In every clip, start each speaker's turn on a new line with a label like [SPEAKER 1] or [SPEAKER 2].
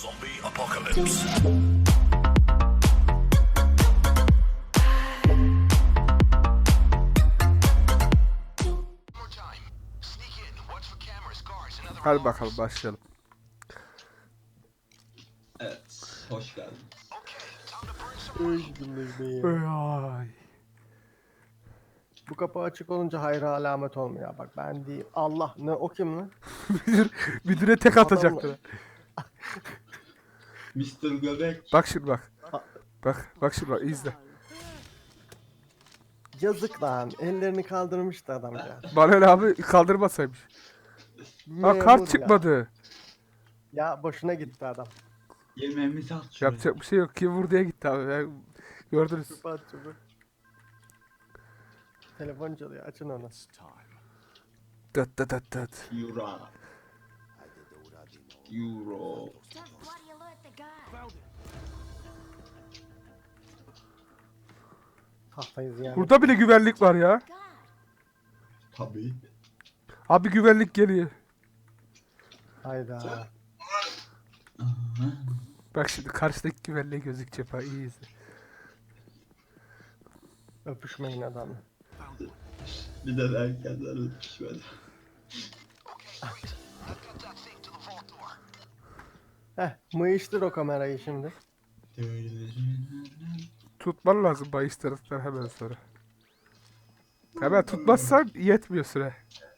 [SPEAKER 1] Zombie apocalypse.
[SPEAKER 2] Hadi bakalım başlayalım.
[SPEAKER 3] Evet, hoş geldin.
[SPEAKER 2] Ay.
[SPEAKER 4] Bu kapı açık olunca hayra alamet olmuyor. Bak ben değil. Allah ne o kim lan?
[SPEAKER 2] Müdüre tek atacaklar.
[SPEAKER 3] Mr. Göbek.
[SPEAKER 2] Bak şimdi bak.
[SPEAKER 4] A-
[SPEAKER 2] Bak şimdi bak izle.
[SPEAKER 4] Yazık lan. Ellerini kaldırmıştı adam ya.
[SPEAKER 2] Bana öyle abi kaldırmasaymış. Ha
[SPEAKER 4] Memur
[SPEAKER 2] kart
[SPEAKER 4] ya.
[SPEAKER 2] çıkmadı.
[SPEAKER 4] Ya boşuna gitti adam.
[SPEAKER 3] Yemeğimizi at şuraya.
[SPEAKER 2] Yapacak bir şey yok. Kim vur diye gitti abi. Gördünüz.
[SPEAKER 4] Çöpe at çöpe. Telefon çalıyor. Açın onu.
[SPEAKER 2] Dıt dıt dıt dıt.
[SPEAKER 3] Euro. Euro.
[SPEAKER 5] Just bloody alert the guy.
[SPEAKER 4] Tahtayız yani.
[SPEAKER 2] Burada bile güvenlik var ya.
[SPEAKER 5] God.
[SPEAKER 3] Tabii.
[SPEAKER 2] Abi güvenlik geliyor.
[SPEAKER 4] Hayda.
[SPEAKER 2] Bak şimdi karşıdaki güvenliğe gözükecek ha. İyi izle.
[SPEAKER 4] Öpüşmeyin adamla.
[SPEAKER 3] Bir de erkenden öpüşmedi.
[SPEAKER 4] Mıyıştır o kamerayı şimdi.
[SPEAKER 2] Tutman lazım bahis taraftan hemen sonra. Hemen tutmazsan yetmiyor süre.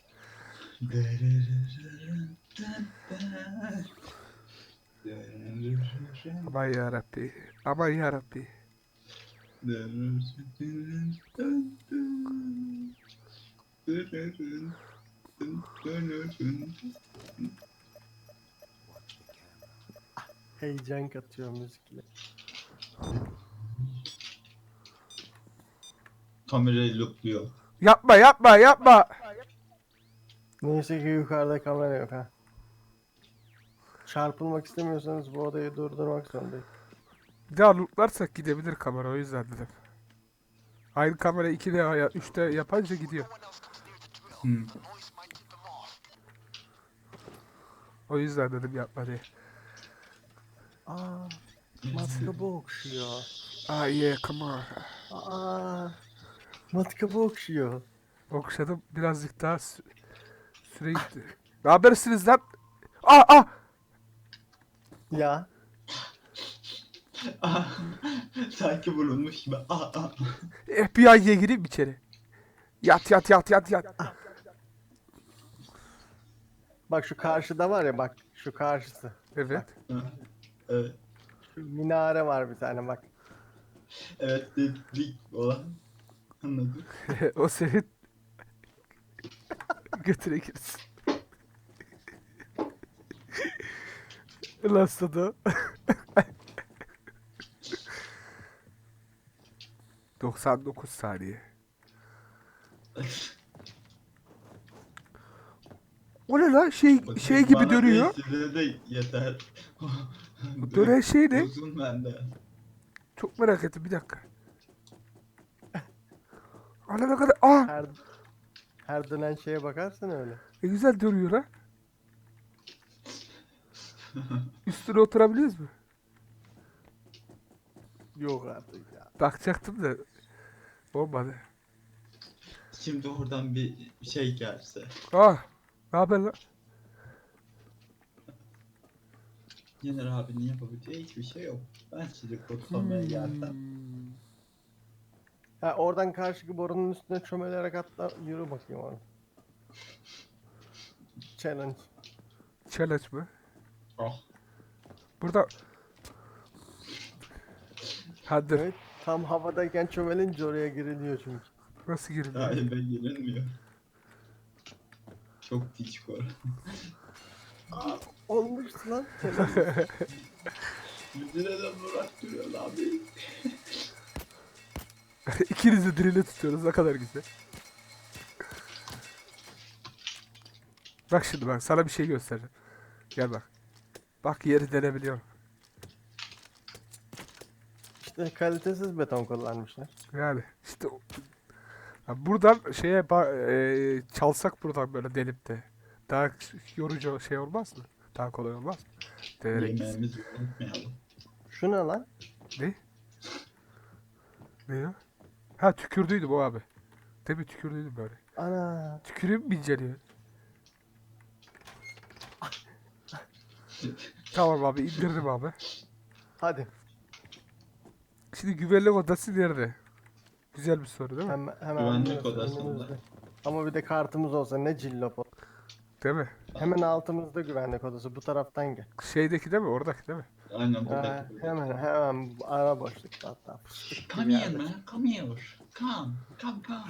[SPEAKER 2] Aman yarabbi. Aman yarabbi.
[SPEAKER 4] Heyecan katıyor müzikle.
[SPEAKER 3] Kamerayı loopluyor.
[SPEAKER 2] Yapma yapma yapma.
[SPEAKER 4] Neyse ki yukarıda kamera yok ha. Çarpılmak istemiyorsanız bu odayı durdurmak zorundayım.
[SPEAKER 2] Bir daha looplarsak gidebilir kamera o yüzden dedim. Aynı kamera 2'de ya 3'te yapınca gidiyor. O yüzden dedim yapma diye.
[SPEAKER 4] Aa, matkabı okşuyor.
[SPEAKER 2] Ah yeah come on.
[SPEAKER 4] Aa, matkabı okşuyor.
[SPEAKER 2] Okşadım birazcık daha süre gitti. Ne habersiniz lan? Ah ah!
[SPEAKER 4] Ya,
[SPEAKER 3] Sanki bulunmuş gibi.
[SPEAKER 2] FBI'ye gireyim mi içeri? Yat yat yat yat yat.
[SPEAKER 4] bak şu karşıda var ya bak şu karşısı.
[SPEAKER 2] Evet.
[SPEAKER 3] Evet.
[SPEAKER 4] Şu minare var bir tane bak.
[SPEAKER 3] Evet, dik olan. Anladım.
[SPEAKER 2] O senin götüne girsin. Lan sana. 99 saniye. O ne lan şey gibi
[SPEAKER 3] Bana
[SPEAKER 2] dönüyor.
[SPEAKER 3] bir süre de yeter.
[SPEAKER 2] Dönen şey ne?
[SPEAKER 3] Uzun bende.
[SPEAKER 2] Çok merak ettim bir dakika. Ana ne kadar
[SPEAKER 4] Her dönen şeye bakarsın öyle.
[SPEAKER 2] ne güzel dönüyor ha. Üstüne oturabiliyoruz mu?
[SPEAKER 4] Yok artık ya.
[SPEAKER 2] Bakacaktım da olmadı.
[SPEAKER 3] Şimdi oradan bir şey gelse.
[SPEAKER 2] Ah, ne haber lan?
[SPEAKER 3] Yener abinin yapabileceği hiçbir şey yok. Ben sizi kurtarmaya geldim.
[SPEAKER 4] Ha oradan karşıki borunun üstüne çömelerek atla yürü bakayım onu. Challenge.
[SPEAKER 2] Challenge mı?
[SPEAKER 3] Ah.
[SPEAKER 2] Burada hadi
[SPEAKER 4] Evet. Tam havadayken çömelince oraya giriliyor çünkü.
[SPEAKER 2] nasıl giriliyor?
[SPEAKER 3] Hayır, ben yenilmiyor. Çok dik var.
[SPEAKER 4] Olmuş lan. Challenge.
[SPEAKER 3] Müdüre de bıraktırıyor abi.
[SPEAKER 2] İkiniz de dirili tutuyoruz ne kadar güzel. Bak şimdi bak sana bir şey göstereceğim. Gel bak. Bak yeri denebiliyorum.
[SPEAKER 4] İşte kalitesiz beton kullanmışlar.
[SPEAKER 2] Yani işte ya buradan çalsak buradan böyle delip de daha yorucu şey olmaz mı? Daha kolay olmaz mı? Değerek gitsin.
[SPEAKER 3] Yemeğimizi unutmayalım.
[SPEAKER 4] Şu ne lan?
[SPEAKER 2] Ne? Ne ya? Ha tükürdüydüm o abi. Değil mi tükürdüydüm böyle.
[SPEAKER 4] Ana.
[SPEAKER 2] Tükürüğüm mi inceliyor? Tamam abi indirdim abi.
[SPEAKER 4] Hadi.
[SPEAKER 2] Şimdi güvenlik odası nerede? Güzel bir soru değil mi?
[SPEAKER 4] Hemen
[SPEAKER 3] Güvenlik
[SPEAKER 4] önümüzde,
[SPEAKER 3] odasında.
[SPEAKER 4] önümüzde. Ama bir de kartımız olsa ne cillop olur.
[SPEAKER 2] Değil mi?
[SPEAKER 4] Hemen altımızda güvenlik odası. Bu taraftan gel.
[SPEAKER 2] Şeydeki değil mi? Oradaki değil mi?
[SPEAKER 3] Aynen
[SPEAKER 4] Ha,
[SPEAKER 3] buradaki.
[SPEAKER 4] hemen ara boşlukta hatta. Fıstık gibi
[SPEAKER 3] Come here
[SPEAKER 4] yerde.
[SPEAKER 3] man, come here. Come.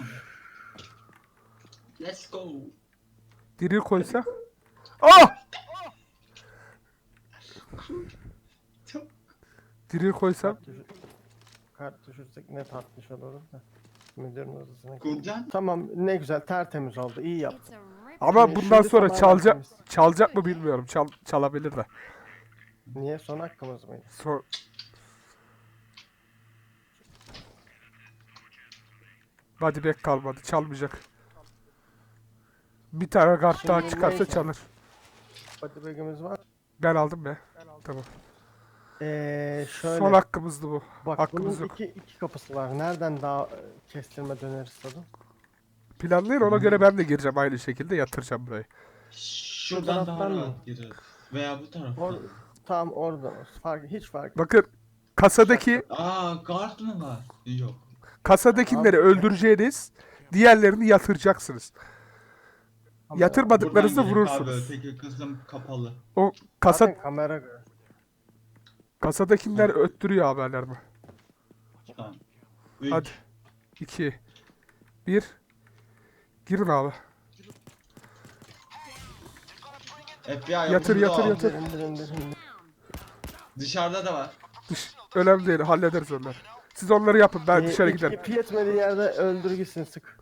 [SPEAKER 3] Let's go.
[SPEAKER 2] Diril koysak. Ah!
[SPEAKER 3] Çok
[SPEAKER 2] Diril koysam.
[SPEAKER 4] Kart düşürsek ne tatlış olur da. Müdürün odasına gel.
[SPEAKER 3] Gurcan.
[SPEAKER 4] Tamam ne güzel tertemiz oldu. İyi yap.
[SPEAKER 5] It's a rip.
[SPEAKER 2] Ama
[SPEAKER 4] Şimdi
[SPEAKER 2] bundan sonra
[SPEAKER 4] tamamen
[SPEAKER 2] çalacak
[SPEAKER 4] temiz.
[SPEAKER 2] çalacak mı bilmiyorum. Çalabilir de.
[SPEAKER 4] Niye son hakkımız mıydı?
[SPEAKER 2] Hadi bek kalmadı. Çalmayacak. Bir tane kart daha
[SPEAKER 4] Şimdi
[SPEAKER 2] çıkarsa
[SPEAKER 4] neyse.
[SPEAKER 2] çalır.
[SPEAKER 4] Hadi bagımız var.
[SPEAKER 2] Ben aldım be. Tamam.
[SPEAKER 4] Şöyle.
[SPEAKER 2] Son hakkımızdı bu.
[SPEAKER 4] Bak
[SPEAKER 2] Hakkımız
[SPEAKER 4] bunun
[SPEAKER 2] yok.
[SPEAKER 4] iki kapısı var. Nereden daha kestirme döneriz tadı?
[SPEAKER 2] Planlayın ona göre ben de gireceğim aynı şekilde yatıracağım burayı.
[SPEAKER 3] Şuradan daha
[SPEAKER 4] taraftan mı?
[SPEAKER 3] rahat gireriz. Veya bu taraftan.
[SPEAKER 4] Tam oradan olsun. Hiç fark
[SPEAKER 2] Bakın kasadaki
[SPEAKER 3] Guard mı var? Yok.
[SPEAKER 2] kasadakileri
[SPEAKER 4] Abi.
[SPEAKER 2] öldüreceğiniz, diğerlerini yatıracaksınız.
[SPEAKER 4] Ama
[SPEAKER 2] Yatırmadıklarınızda
[SPEAKER 3] Buradan girip abi,
[SPEAKER 2] vurursunuz.
[SPEAKER 3] öteki kısım kapalı.
[SPEAKER 2] O kasa
[SPEAKER 4] Zaten kamera göre.
[SPEAKER 2] kasadakiler öttürüyor haberlerimi.
[SPEAKER 3] Tamam. 3.
[SPEAKER 2] Hadi. 2 1 Girin abi.
[SPEAKER 3] FBI
[SPEAKER 2] Yatır,
[SPEAKER 3] yavrusu
[SPEAKER 2] yatır,
[SPEAKER 3] al.
[SPEAKER 2] yatır.
[SPEAKER 4] İndir.
[SPEAKER 3] Dışarıda da var.
[SPEAKER 2] Önemli değil. Hallederiz onları. Siz onları yapın. Ben dışarı
[SPEAKER 4] İp
[SPEAKER 2] giderim.
[SPEAKER 4] yetmediği yerde öldür gitsin sık.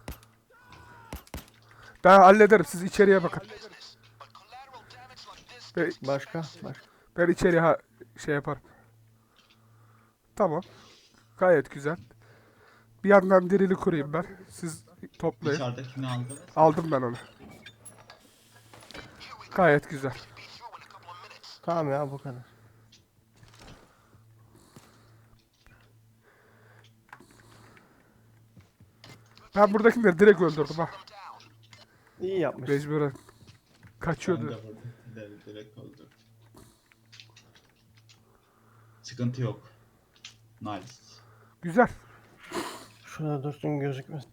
[SPEAKER 2] Ben hallederim. Siz içeriye bakın.
[SPEAKER 4] Başka.
[SPEAKER 2] Ben içeriye şey yaparım. Tamam. Gayet güzel. Bir yandan dirili kurayım ben. Siz toplayın.
[SPEAKER 3] Dışarıdakini aldı.
[SPEAKER 2] Aldım ben onu. Gayet güzel.
[SPEAKER 4] Tamam ya bu kadar.
[SPEAKER 2] Ben buradakileri direkt öldürdüm ha.
[SPEAKER 4] İyi yapmış.
[SPEAKER 2] Mecburen.
[SPEAKER 3] Ben
[SPEAKER 2] Kaçıyordu.
[SPEAKER 3] de vurdum. Direkt öldü. Sıkıntı yok. Nice.
[SPEAKER 2] Güzel.
[SPEAKER 4] Şurada dursun gözükmesin.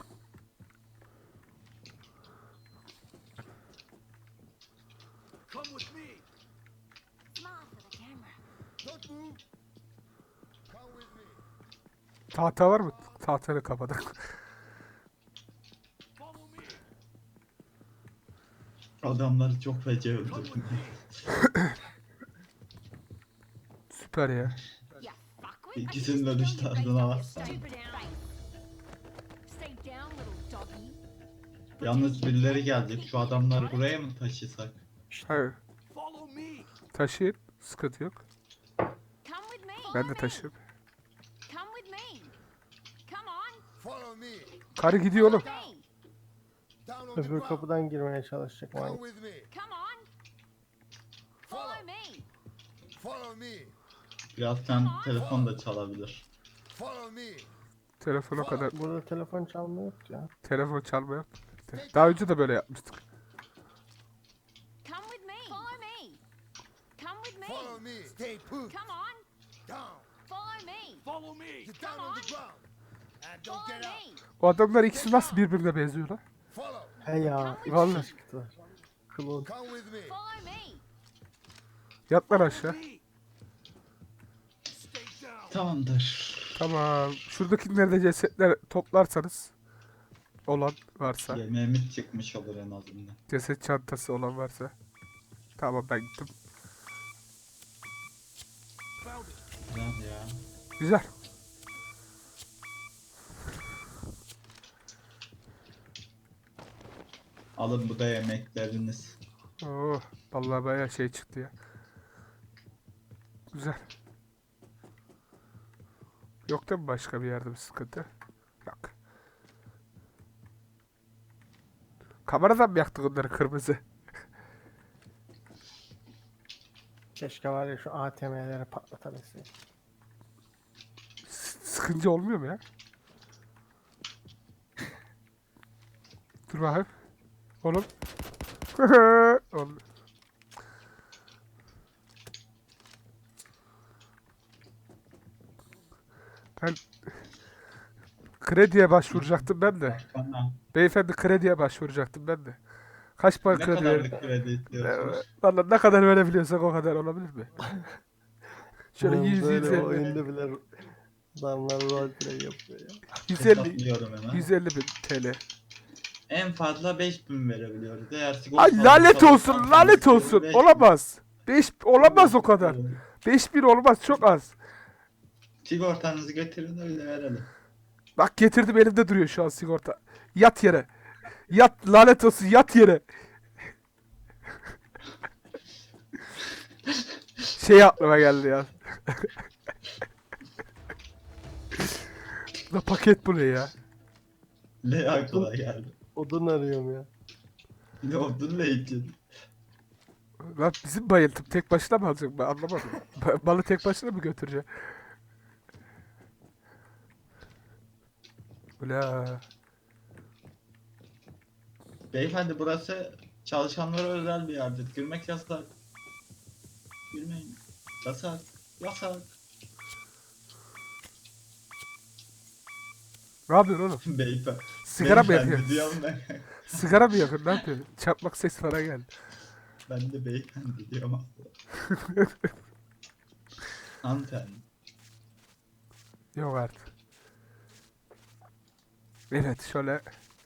[SPEAKER 5] Smile for the camera.
[SPEAKER 2] Tahta var mı? Tahtayı kapadık.
[SPEAKER 3] Adamları çok feci öldürdüm.
[SPEAKER 2] Süper ya.
[SPEAKER 5] You fuckwit. I
[SPEAKER 3] İkisinin
[SPEAKER 5] just
[SPEAKER 3] dönüş
[SPEAKER 5] told you
[SPEAKER 3] tarzına
[SPEAKER 5] face
[SPEAKER 3] bak.
[SPEAKER 5] up, stupid face. Stay down, little doggy.
[SPEAKER 3] Yalnız birileri gelecek. Şu adamları buraya mı taşısak?
[SPEAKER 2] Hayır. Taşıyın. Sıkıntı yok.
[SPEAKER 5] Come with me.
[SPEAKER 2] Ben de taşıyayım.
[SPEAKER 5] Come with me. Come on.
[SPEAKER 1] Follow me.
[SPEAKER 2] Karı gidiyor oğlum.
[SPEAKER 5] Me.
[SPEAKER 1] Down on the
[SPEAKER 4] Öbür
[SPEAKER 1] ground.
[SPEAKER 4] kapıdan girmeye çalışacak.
[SPEAKER 1] Come
[SPEAKER 4] manyak.
[SPEAKER 1] with me.
[SPEAKER 5] Come on. Follow me.
[SPEAKER 1] Follow me.
[SPEAKER 3] Birazdan telefon da çalabilir.
[SPEAKER 1] Follow me.
[SPEAKER 2] Telefona kadar.
[SPEAKER 4] Burada telefon çalma yoktu ya.
[SPEAKER 2] Telefon çalmıyor. Daha önce de böyle yapmıştık.
[SPEAKER 5] Come with me. Follow me. Come with me.
[SPEAKER 1] Follow me. Stay put.
[SPEAKER 5] Come on.
[SPEAKER 1] Down.
[SPEAKER 5] Follow me.
[SPEAKER 1] Follow me. Get down on the ground. And don't
[SPEAKER 5] Follow
[SPEAKER 1] get up.
[SPEAKER 5] me.
[SPEAKER 2] O adamlar ikisi nasıl birbirine benziyor lan?
[SPEAKER 1] Follow.
[SPEAKER 4] He ya.
[SPEAKER 2] Vallahi.
[SPEAKER 4] Çıktılar. Klon.
[SPEAKER 1] Come with me.
[SPEAKER 5] Follow me.
[SPEAKER 2] Yat lan aşağı.
[SPEAKER 3] Tamamdır.
[SPEAKER 2] Tamam. Şuradakileri de cesetler toplarsanız olan varsa.
[SPEAKER 3] Yemeğimiz çıkmış olur en azından.
[SPEAKER 2] Ceset çantası olan varsa. Tamam ben gittim.
[SPEAKER 3] Güzel ya.
[SPEAKER 2] Güzel.
[SPEAKER 3] Alın bu da yemekleriniz.
[SPEAKER 2] Oo, vallahi bayağı şey çıktı ya. Güzel. Yok da mı başka bir yerde bir sıkıntı? Yok. Kameradan mı yaktık onları kırmızı?
[SPEAKER 4] Keşke var ya şu ATM'leri patlatabilseydim.
[SPEAKER 2] Sıkınca olmuyor mu ya? Dur bakayım. Oğlum. Oğlum. Ben krediye başvuracaktım ben de.
[SPEAKER 3] Bana
[SPEAKER 2] Beyefendi krediye başvuracaktım ben de. Kaç para
[SPEAKER 3] ne
[SPEAKER 2] kredi verin?
[SPEAKER 3] kadarlık kredi istiyorsunuz?
[SPEAKER 2] Valla ne kadar verebiliyorsak o kadar olabilir mi? Şöyle
[SPEAKER 4] Oğlum
[SPEAKER 2] 100
[SPEAKER 4] böyle
[SPEAKER 2] 150
[SPEAKER 4] oyunda bile adamlar roleplay yapıyor ya.
[SPEAKER 2] 150
[SPEAKER 3] Hesaplıyorum hemen.
[SPEAKER 2] 150 bin TL.
[SPEAKER 3] En fazla 5000 verebiliyoruz. Eğer
[SPEAKER 2] Ay lanet olsun, lanet olsun. Olamaz. 5 olamaz o kadar. 5000 olmaz, çok az.
[SPEAKER 3] Sigortanızı getirin öyle verelim.
[SPEAKER 2] Bak getirdim, elimde duruyor şu an sigorta. Yat yere. Yat, lanet olsun, yat yere. Şey aklıma geldi ya. Bu da paket bu ne ya?
[SPEAKER 3] Ne aklına geldi?
[SPEAKER 4] Odun arıyorum ya.
[SPEAKER 3] Ne olduğunu ne için?
[SPEAKER 2] Lan bizim bayıltım tek başına mı alacak, ben anlamadım. Balı tek başına mı götürecek? Ula.
[SPEAKER 3] Beyefendi burası çalışanlara özel bir yerdir. Girmek yasak. Girmeyin. Yasak. Yasak.
[SPEAKER 2] Ne yapıyorsun oğlum?
[SPEAKER 3] Beyefendi.
[SPEAKER 2] Sigara mı
[SPEAKER 3] Beyefendi
[SPEAKER 2] yakıyorsun?
[SPEAKER 3] diyorum ben.
[SPEAKER 2] Sigara mı yakıyorsun? Ne yapıyorsun? Çakmak ses falan geldi.
[SPEAKER 3] Ben de beyefendi diyorum aslında. Hanımefendi.
[SPEAKER 2] Yok artık. Evet şöyle.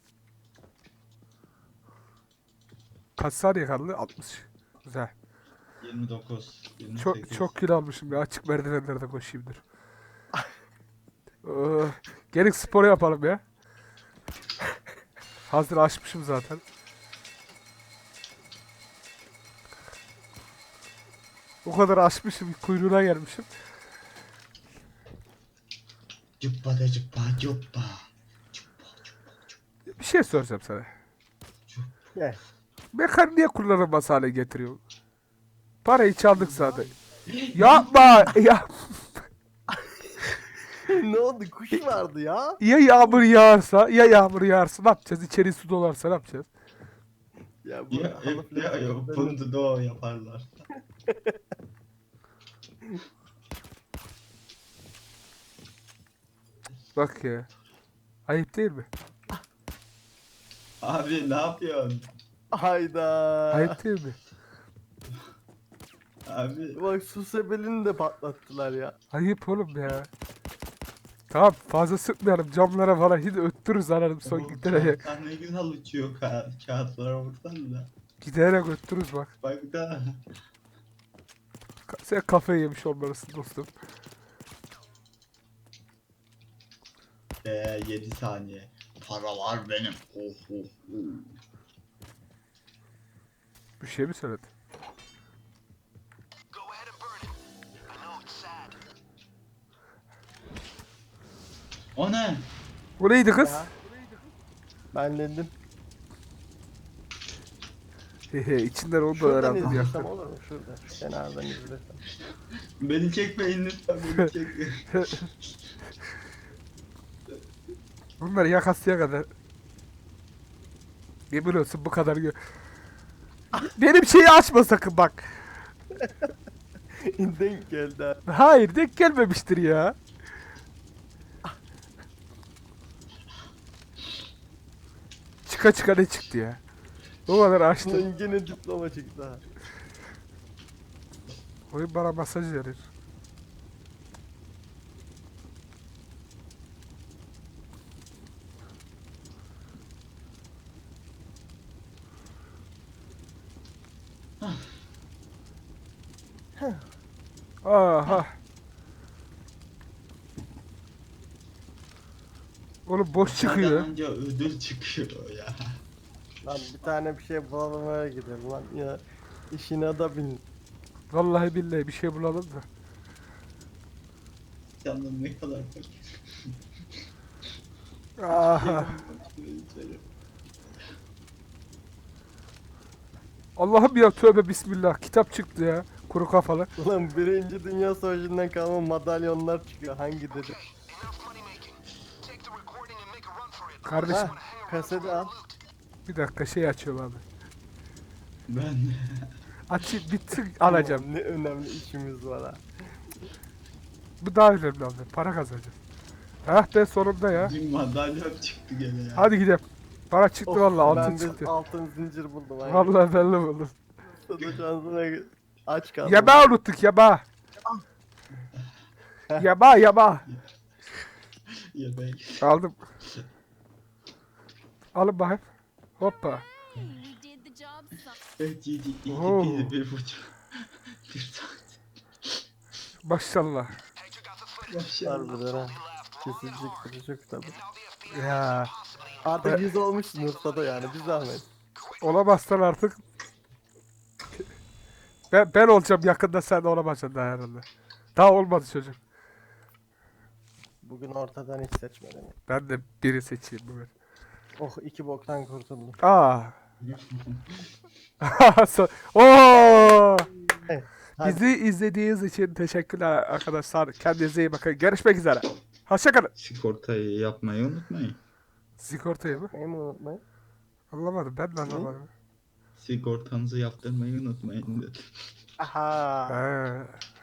[SPEAKER 2] Kaç saniye kaldı? 60. Güzel.
[SPEAKER 3] 29. 28.
[SPEAKER 2] Çok kilo almışım ya. Açık merdivenlerde koşayım dur. Gelin spor yapalım ya. Hazır açmışım zaten. O kadar açmışım, kuyruğuna gelmişim.
[SPEAKER 3] Cuppa da cuppa cuppa.
[SPEAKER 2] Bir şey soracağım sana.
[SPEAKER 4] Gel.
[SPEAKER 2] Mekan niye kullanılmaz hale getiriyor? Parayı çaldık zaten. Yapma! Ya,
[SPEAKER 4] Ne oldu? Kuş vardı ya.
[SPEAKER 2] ya yağmur yağarsa, ya yağmur yağarsa ne yapacağız? İçeri su dolarsa ne yapacağız?
[SPEAKER 4] Ya bu
[SPEAKER 3] Ya, bunu da o yaparlar.
[SPEAKER 2] Bak ya. Ayıp değil mi?
[SPEAKER 3] Abi ne yapıyorsun?
[SPEAKER 4] Hayda.
[SPEAKER 2] Ayıp değil mi?
[SPEAKER 3] Abi
[SPEAKER 4] Bak su sebelini de patlattılar ya.
[SPEAKER 2] Ayıp oğlum ya. Tamam fazla sıkmayalım, camlara falan hiç öttürürüz anarım son
[SPEAKER 3] bu
[SPEAKER 2] giderek.
[SPEAKER 3] kağıtlar ne güzel uçuyor kağıtlara baksan da.
[SPEAKER 2] Giderek öttürürüz bak.
[SPEAKER 3] Bak da.
[SPEAKER 2] Sen kafayı yemiş olmalısın dostum.
[SPEAKER 3] 7 saniye. Para var benim. Oh, oh, oh.
[SPEAKER 2] Bir şey mi söyledin?
[SPEAKER 3] O ne?
[SPEAKER 2] Bu neydi kız?
[SPEAKER 4] Ya. Ben dedim.
[SPEAKER 2] Hehe içinden onu da
[SPEAKER 4] Şuradan
[SPEAKER 2] öğrendim ya.
[SPEAKER 4] izlesem olur mu? Şurada. Şu kenardan izlesem.
[SPEAKER 3] Beni çekmeyin lütfen beni çekmeyin.
[SPEAKER 2] Bunlar yakasıya kadar. Yemin olsun bu kadar benim şeyi açma sakın bak.
[SPEAKER 4] Denk geldi ha.
[SPEAKER 2] Hayır denk gelmemiştir ya. Çıka çıka ne çıktı ya? O kadar açtı.
[SPEAKER 4] Lan gene diploma çıktı ha.
[SPEAKER 2] Oyun bana masaj verir. Aha. Oğlum boş çıkıyor.
[SPEAKER 3] Nereden önce ödül çıkıyor ya.
[SPEAKER 4] Lan bir tane bir şey bulalım öyle gidelim lan ya. İşine da bin.
[SPEAKER 2] Vallahi billahi bir şey bulalım da.
[SPEAKER 3] Canım ne kadar fakir.
[SPEAKER 2] Aha. Allah'ım ya tövbe bismillah. Kitap çıktı ya. Kuru kafalı.
[SPEAKER 4] Ulan Birinci Dünya Savaşı'ndan kalma madalyonlar çıkıyor. Hangi dedi?
[SPEAKER 2] Kardeşim
[SPEAKER 4] Ha, kaseti al.
[SPEAKER 2] bir dakika şey açıyorum abi.
[SPEAKER 3] Ben
[SPEAKER 2] Açayım bitsin alacağım.
[SPEAKER 4] Ulan ne önemli işimiz var ha.
[SPEAKER 2] Bu daha önemli abi. Para kazanacağız. Hah be sonunda ya.
[SPEAKER 3] bir madalyon çıktı gene ya.
[SPEAKER 2] Hadi gidelim. Para çıktı
[SPEAKER 4] Of,
[SPEAKER 2] vallahi altın
[SPEAKER 4] ben bir
[SPEAKER 2] çıktı.
[SPEAKER 4] altın zincir buldum. Hangi?
[SPEAKER 2] Vallahi ben de buldum.
[SPEAKER 4] Sana şansına aç kaldım.
[SPEAKER 2] Yaba unuttuk yaba. Yaba yaba.
[SPEAKER 3] Ya ben.
[SPEAKER 2] Aldım. Alın bakayım. Hoppa.
[SPEAKER 5] Hey, we did the job.
[SPEAKER 3] Evet 7, 2,
[SPEAKER 2] Oo.
[SPEAKER 3] 1,5. 1 saat.
[SPEAKER 2] Maşallah.
[SPEAKER 3] Maşallah.
[SPEAKER 4] Harbiden ha. Kesilecek kıracak tabi.
[SPEAKER 2] Ya.
[SPEAKER 4] Artık 100 olmuşsun Urfa'da yani bir zahmet.
[SPEAKER 2] Olamazsan artık. Ben olacağım yakında sen de olamayacaksın daha herhalde. Daha olmadı çocuk.
[SPEAKER 4] Bugün ortadan hiç seçmedim.
[SPEAKER 2] Ben de biri seçeyim bugün.
[SPEAKER 4] Oh 2 boktan kurtuldum.
[SPEAKER 2] Aa. Oo.
[SPEAKER 4] Hadi.
[SPEAKER 2] Bizi izlediğiniz için teşekkürler arkadaşlar. Kendinize iyi bakın. Görüşmek üzere. Hoşçakalın.
[SPEAKER 3] Sigortayı yapmayı unutmayın.
[SPEAKER 2] Sigortayı mı?
[SPEAKER 4] Neyi mi unutmayın?
[SPEAKER 2] Anlamadım. Ben de anlamadım.
[SPEAKER 3] Sigortanızı yaptırmayı unutmayın dedim.
[SPEAKER 4] Aha.
[SPEAKER 2] He.